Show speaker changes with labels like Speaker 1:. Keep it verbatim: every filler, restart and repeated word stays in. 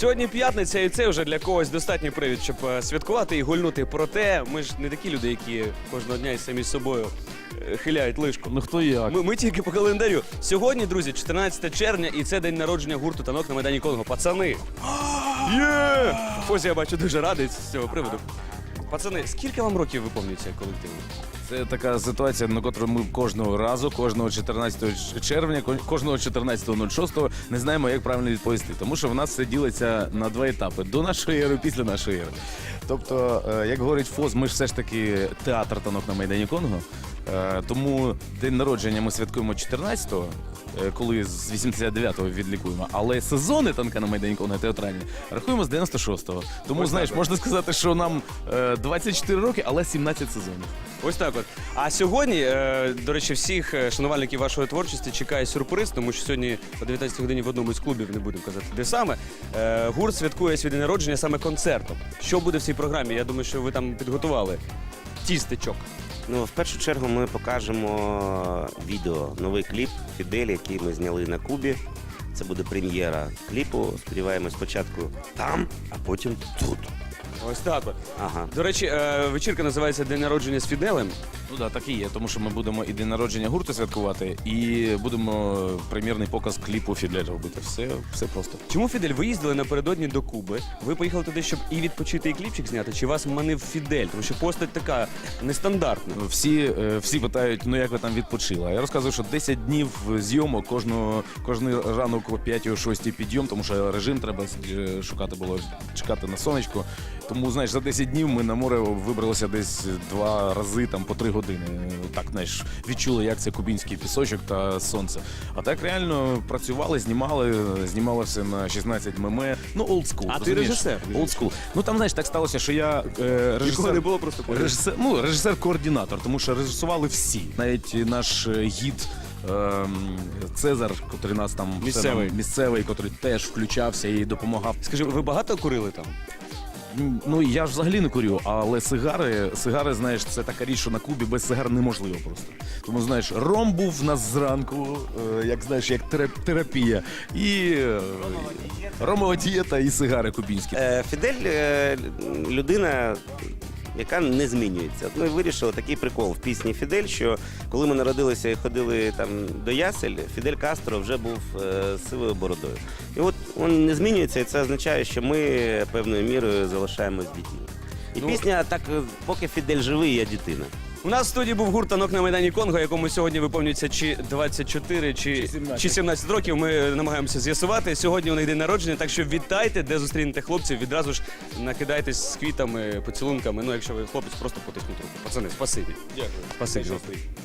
Speaker 1: Сьогодні п'ятниця, і це вже для когось достатній привід, щоб е, святкувати і гульнути. Проте ми ж не такі люди, які кожного дня і самі з собою е, хиляють лишку.
Speaker 2: Ну хто як?
Speaker 1: Ми, ми тільки по календарю. Сьогодні, друзі, чотирнадцяте червня, і це день народження гурту «Танок» на Майдані Конго. Пацани! Є! Фозі, я бачу, дуже радий з цього приводу. Пацани, скільки вам років виповнюється колективу?
Speaker 2: Це така ситуація, на котру ми кожного разу, кожного чотирнадцятого червня, кожного чотирнадцятого шостого не знаємо, як правильно відповісти. Тому що в нас все ділиться на два етапи: до нашої ери, після нашої ери. Тобто, як говорить ФОЗ, ми ж все ж таки театр «Танок» на Майдані Конго. Тому день народження ми святкуємо чотирнадцятого, коли з вісімдесят дев'ятого відлікуємо. Але сезони «Танка» на Майдані Конго театральні рахуємо з дев'яносто шостого. Тому,
Speaker 1: Ось
Speaker 2: знаєш,
Speaker 1: так.
Speaker 2: можна сказати, що нам двадцять чотири роки, але сімнадцять сезонів.
Speaker 1: Ось так от. А сьогодні, е, до речі, всіх е, шанувальників вашої творчості чекає сюрприз, тому що сьогодні о дев'ятнадцятій годині в одному з клубів, не будемо казати, де саме, е, гурт святкує свій день народження саме концертом. Що буде в цій програмі? Я думаю, що ви там підготували тістечок.
Speaker 3: Ну, в першу чергу ми покажемо відео, новий кліп «Фідель», який ми зняли на Кубі. Це буде прем'єра кліпу. Сподіваємось, спочатку там, а потім тут.
Speaker 1: Ось так от.
Speaker 3: Ага.
Speaker 1: До речі, е, вечірка називається «День народження з Фіделем».
Speaker 2: Ну так, так і є, тому що ми будемо і день народження гурту святкувати, і будемо прем'єрний показ кліпу «Фідель» робити. Все, все просто.
Speaker 1: Чому Фідель? Ви їздили напередодні до Куби, ви поїхали туди, щоб і відпочити, і кліпчик зняти, чи вас манив Фідель? Тому що постать така нестандартна.
Speaker 2: Всі, е, всі питають, ну як ви там відпочили? А я розказую, що десять днів зйомок, кожного, кожний ранок о п'ятій-шостій підйом, тому що режим треба е, шукати було, чекати на сонечко. Тому, знаєш, за десять днів ми на море вибралися десь два рази, там, по три години. Так, знаєш, відчули, як це кубінський пісочок та сонце. А так реально працювали, знімали, знімали все на шістнадцять мем. Ну, олдскул.
Speaker 1: А ти режисер?
Speaker 2: Олдскул. Ну, там, знаєш, так сталося, що я е, режисер...
Speaker 1: Нікого не було просто поряд.
Speaker 2: Режисер, ну, режисер-координатор, тому що режисували всі. Навіть наш гід ем, Цезар, котрий нас там... все
Speaker 1: Місцевий.
Speaker 2: нам- місцевий, котрий теж включався і допомагав.
Speaker 1: Скажи, ви багато курили там?
Speaker 2: Ну, я ж взагалі не курю, але сигари, сигари, знаєш, це така річ, що на Кубі без сигар неможливо просто. Тому, знаєш, ром був в нас зранку, е, як, знаєш, як терап- терапія, і е, ромова дієта і сигари кубінські.
Speaker 3: Е, Фідель е, людина, яка не змінюється. От ми вирішили такий прикол в пісні «Фідель», що коли ми народилися і ходили там до ясель, Фідель Кастро вже був е, з сивою бородою. І от він не змінюється, і це означає, що ми певною мірою залишаємось дітьми. І
Speaker 1: Ну,
Speaker 3: пісня так, поки Фідель живий, я дитина.
Speaker 1: У нас в студії був гурт «Танок» на Майдані Конго, якому сьогодні виповнюється чи двадцять чотири, чи,
Speaker 2: Чи сімнадцять.
Speaker 1: чи сімнадцять років. Ми намагаємося з'ясувати. Сьогодні у них день народження, так що вітайте, де зустрінете хлопців, відразу ж накидайтесь з квітами, поцілунками. Ну, якщо ви хлопець, просто потисніть руку. Пацани, спасибі.
Speaker 2: Дякую.
Speaker 1: Спасибі.